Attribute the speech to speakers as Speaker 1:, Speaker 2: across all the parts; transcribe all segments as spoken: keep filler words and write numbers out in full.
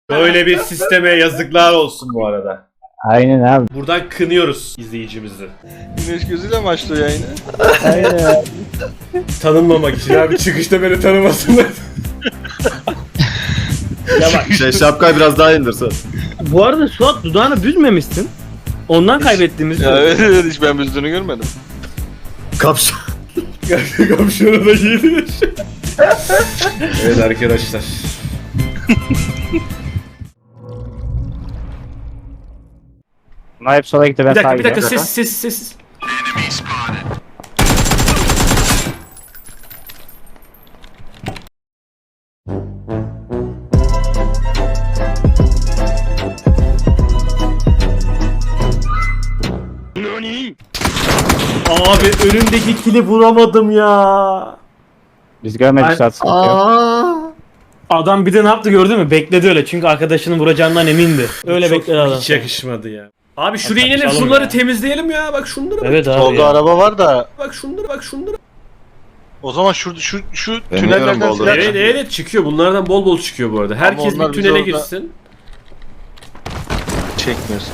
Speaker 1: Böyle bir sisteme yazıklar olsun bu arada.
Speaker 2: Aynen abi.
Speaker 1: Buradan kınıyoruz izleyicimizi.
Speaker 3: Güneş gözüyle mi açtı yayını?
Speaker 2: Aynen.
Speaker 1: Tanınmamak için abi, çıkışta beni tanımasınlar.
Speaker 4: Ya bak
Speaker 5: Şey şapkayı biraz daha indirsin.
Speaker 4: bu arada Suat dudağını büzmemişsin. Ondan kaybettiğimiz
Speaker 3: Ya evet, evet hiç ben büzdüğünü görmedim.
Speaker 5: Kapş.
Speaker 1: Kapşonu da giydir. Evet arkadaşlar.
Speaker 2: Bunlar hep sola gitti ben
Speaker 1: Bir
Speaker 2: sağa
Speaker 1: dakika bir dakika
Speaker 2: gidiyorum.
Speaker 1: ses ses ses. Abi önündeki kili vuramadım ya.
Speaker 2: Biz görmedik
Speaker 4: Ay-
Speaker 2: Suat sıkıntı yok.
Speaker 4: adam bir de ne yaptı gördün mü? Bekledi öyle çünkü arkadaşının vuracağından emindi. Öyle
Speaker 1: Çok
Speaker 4: bekledi adam.
Speaker 1: hiç yakışmadı ya. Abi şuraya
Speaker 4: Hatta
Speaker 1: inelim,
Speaker 4: çalım
Speaker 1: şunları
Speaker 4: ya.
Speaker 1: temizleyelim ya. Bak şunları bak.
Speaker 4: Evet abi
Speaker 3: Solda
Speaker 4: ya.
Speaker 3: araba var da
Speaker 1: Bak şunları bak şunları.
Speaker 3: o zaman şu şu şu
Speaker 5: Deniyorum
Speaker 3: tünellerden
Speaker 5: oldu.
Speaker 3: silah
Speaker 1: Evet
Speaker 3: çıkıyor.
Speaker 1: evet çıkıyor. Bunlardan bol bol çıkıyor bu arada. Herkes
Speaker 3: onlar
Speaker 1: bir
Speaker 3: bizi
Speaker 1: tünele
Speaker 3: orada-
Speaker 1: girsin.
Speaker 3: Çekmiyorsun.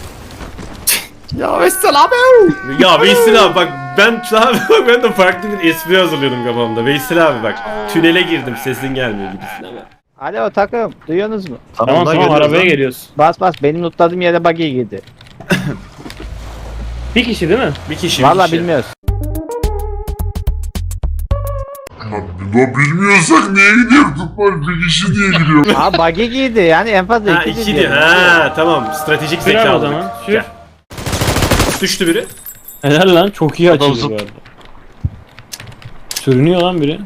Speaker 5: Ya Veysel abi.
Speaker 1: Ya Veysel abi bak ben abi ben de farklı bir espri hazırlıyordum kafamda. Veysel abi bak tünele girdim sesin gelmiyor gibisine ama.
Speaker 2: Alo takım duyuyorsunuz mu?
Speaker 4: Tamam
Speaker 5: lan
Speaker 4: tamam
Speaker 5: geliyoruz
Speaker 4: arabaya
Speaker 5: lan.
Speaker 4: geliyoruz.
Speaker 2: Bas bas benim lootladığım yere buggy girdi.
Speaker 4: Bir kişi değil mi?
Speaker 1: Bir kişi bir
Speaker 2: Valla
Speaker 1: kişi.
Speaker 2: bilmiyoruz.
Speaker 6: Ya bilmiyorsak niye gidiyorduk? Var bir kişi diye gidiyor.
Speaker 2: Aa buggy girdi yani en fazla
Speaker 1: Ha
Speaker 2: iki
Speaker 1: iki
Speaker 2: diyor.
Speaker 1: diyor. Ha tamam stratejik
Speaker 4: Sür
Speaker 1: zeka
Speaker 4: abi o
Speaker 1: aldık.
Speaker 4: zaman. Sür.
Speaker 1: Gel. Düştü biri.
Speaker 4: Helal lan çok iyi
Speaker 3: Adam
Speaker 4: açıldı
Speaker 3: zıp-
Speaker 4: bu arada. Sürünüyor lan biri.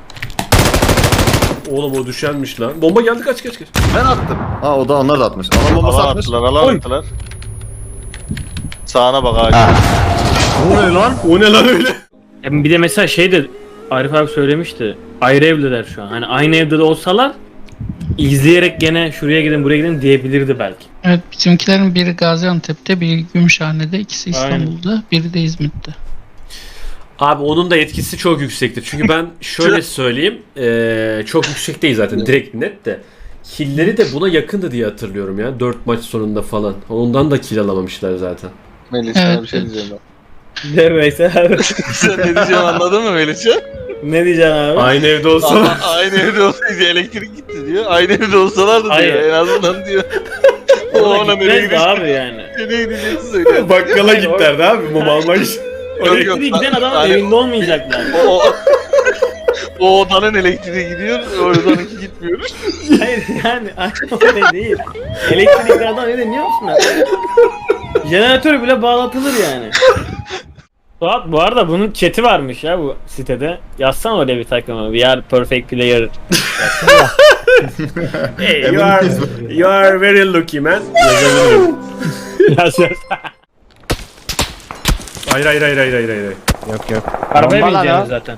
Speaker 1: Oğlum o düşenmiş lan. Bomba geldi kaç kaç kaç.
Speaker 5: Ben attım. Ha o da onlar da atmış. Alan bombası
Speaker 3: Alan
Speaker 5: atmış.
Speaker 3: attılar, alan
Speaker 4: Oy.
Speaker 3: attılar. Sağına bak ağaç.
Speaker 1: O ne lan? O ne lan öyle?
Speaker 4: E bir de mesela şey de Arif abi söylemişti. Ayrı evliler şu an. Hani aynı evde de olsalar izleyerek gene şuraya gidin buraya gidin diyebilirdi belki.
Speaker 7: Evet, bizimkilerin biri Gaziantep'te, biri Gümüşhane'de, ikisi
Speaker 4: Aynen.
Speaker 7: İstanbul'da, biri de İzmit'te.
Speaker 1: Abi onun da etkisi çok yüksektir. Çünkü ben şöyle söyleyeyim. eee, çok yüksek değil zaten. Direkt net de. Killleri de buna yakındı diye hatırlıyorum ya. dört maç sonunda falan. Ondan da kill alamamışlar zaten.
Speaker 3: Melih sana
Speaker 7: Evet,
Speaker 3: bir şey
Speaker 7: evet.
Speaker 3: diyeceğim
Speaker 4: De Veysel abi.
Speaker 3: ben. Sen ne diyeceğim anladın mı Melih'ciğim?
Speaker 4: Ne diyeceksin abi?
Speaker 1: Aynı evde olsalar.
Speaker 3: Ama aynı evde olsaydı elektrik gitti diyor. Aynı evde olsalardı diyor.
Speaker 4: Hayır.
Speaker 3: En azından diyor. o
Speaker 4: Ona
Speaker 3: ona nereye
Speaker 4: gitmez de
Speaker 3: gidecek?
Speaker 4: abi yani.
Speaker 3: Nereye gideceksin söyle.
Speaker 1: Bakkala
Speaker 4: Hayır,
Speaker 1: gitlerdi abi mum almak için.
Speaker 3: Yok, yok.
Speaker 4: Elektriği giden adamın
Speaker 3: Hani-
Speaker 4: evinde olmayacaklar.
Speaker 3: O, o, o odanın elektriği gidiyor, o odanınki gitmiyor.
Speaker 4: Hayır yani öyle değil. Elektrikli adam ne biliyor musun? Jeneratör bile bağlatılır yani. Suat bu arada bunun chat'i varmış ya bu sitede. Yazsana oraya bir takımı. We are perfect player.
Speaker 1: Hey, you are, you are very lucky man. Yazabilirim.
Speaker 4: Yaz yaz.
Speaker 1: Hayır hayır hayır hayır hayır hayır.
Speaker 2: Yok yok.
Speaker 4: Arabaya
Speaker 2: Bomba lan
Speaker 4: bineceğiniz
Speaker 2: o.
Speaker 4: zaten.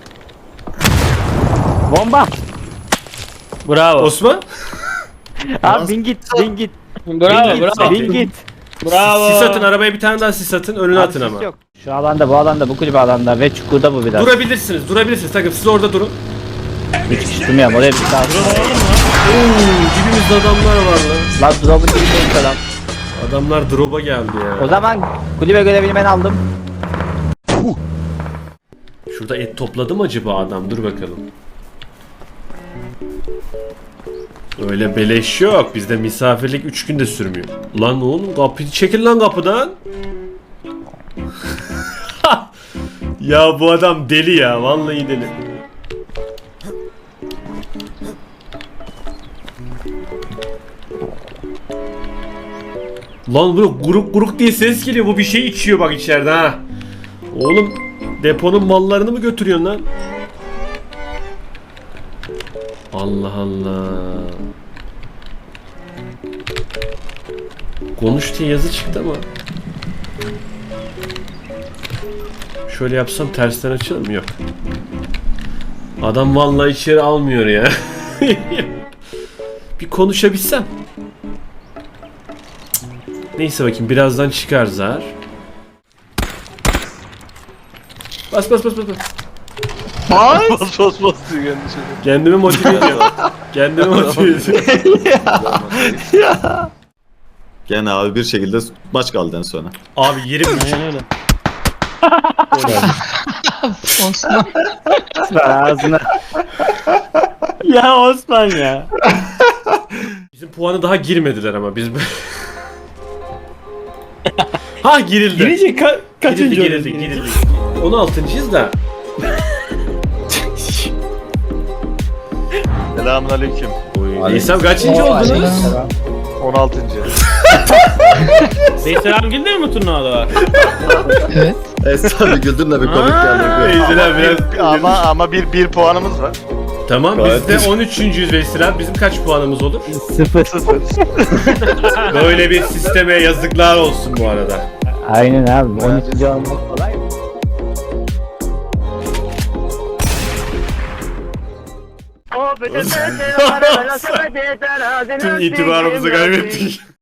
Speaker 2: Bomba.
Speaker 4: Bravo.
Speaker 1: Osman?
Speaker 2: Abi bin git bin git.
Speaker 4: Bravo
Speaker 2: bin git,
Speaker 4: bravo.
Speaker 2: bin git.
Speaker 4: Bravo.
Speaker 1: Sis atın arabaya bir tane daha sis atın önüne
Speaker 2: Abi
Speaker 1: atın
Speaker 2: sis
Speaker 1: ama.
Speaker 2: yok. Şu alanda bu alanda bu kulübe alanda ve çukurda bu biraz.
Speaker 1: Durabilirsiniz durabilirsiniz takım siz orada durun.
Speaker 2: Üç kişi durmuyorum oraya bir daha.
Speaker 1: Oo, dibimizde adamlar var lan.
Speaker 2: Lan drop'un dibindeyim adam.
Speaker 1: Adamlar drop'a geldi
Speaker 2: O
Speaker 1: ya.
Speaker 2: zaman kulübe görevini ben aldım.
Speaker 1: Şurada et topladı mı acaba adam? Dur bakalım. Öyle beleş yok. Bizde misafirlik üç günde sürmüyor. Lan oğlum kapıyı çekil lan kapıdan. Ya bu adam deli ya. Vallahi deli. Lan böyle guruk guruk diye ses geliyor. Bu bir şey içiyor bak içeride ha. Oğlum deponun mallarını mı götürüyorsun lan? Allah Allah. Konuş diye yazı çıktı ama. Şöyle yapsam tersten açılır mı? Yok. Adam vallahi içeri almıyor ya. Bir konuşabilsem. Neyse bakayım birazdan çıkar zar. Bas bas bas bas bas.
Speaker 3: Bas bas bas diyor kendi şöyle.
Speaker 1: Kendimi motive ediyorum. Kendimi motive ediyorum.
Speaker 5: ya. Gene abi bir şekilde maç kaldı en sona.
Speaker 1: Abi yirmi üç.
Speaker 4: Aynen öyle.
Speaker 7: Osman.
Speaker 2: Ağzına.
Speaker 4: Ya Osman ya.
Speaker 1: Bizim puanı daha girmediler ama biz... ha girildi.
Speaker 4: Girince ka kaçıncı
Speaker 1: Girildi
Speaker 4: oluyoruz
Speaker 1: girildi
Speaker 4: girince?
Speaker 1: girildi. on altıncıyız da.
Speaker 3: Selamünaleyküm.
Speaker 1: Nisan kaçıncı oldunuz?
Speaker 7: Aleykümselam.
Speaker 3: on altıncı.
Speaker 4: Veysel abi girdi mi bu turnuvada var?
Speaker 7: Evet.
Speaker 5: Esra abi güldün de bir komik geldi.
Speaker 1: Veysel abi biraz...
Speaker 3: Ama ama bir bir puanımız var.
Speaker 1: Tamam
Speaker 5: Gayet
Speaker 1: biz de on üçüncüyüz Veysel abi. Bizim kaç puanımız olur?
Speaker 2: Sıfır.
Speaker 1: Böyle bir sisteme yazıklar olsun bu arada.
Speaker 2: Aynen abi. on üçüncü olmak kolay mı?
Speaker 1: Tüm itibarımızı kaybettik.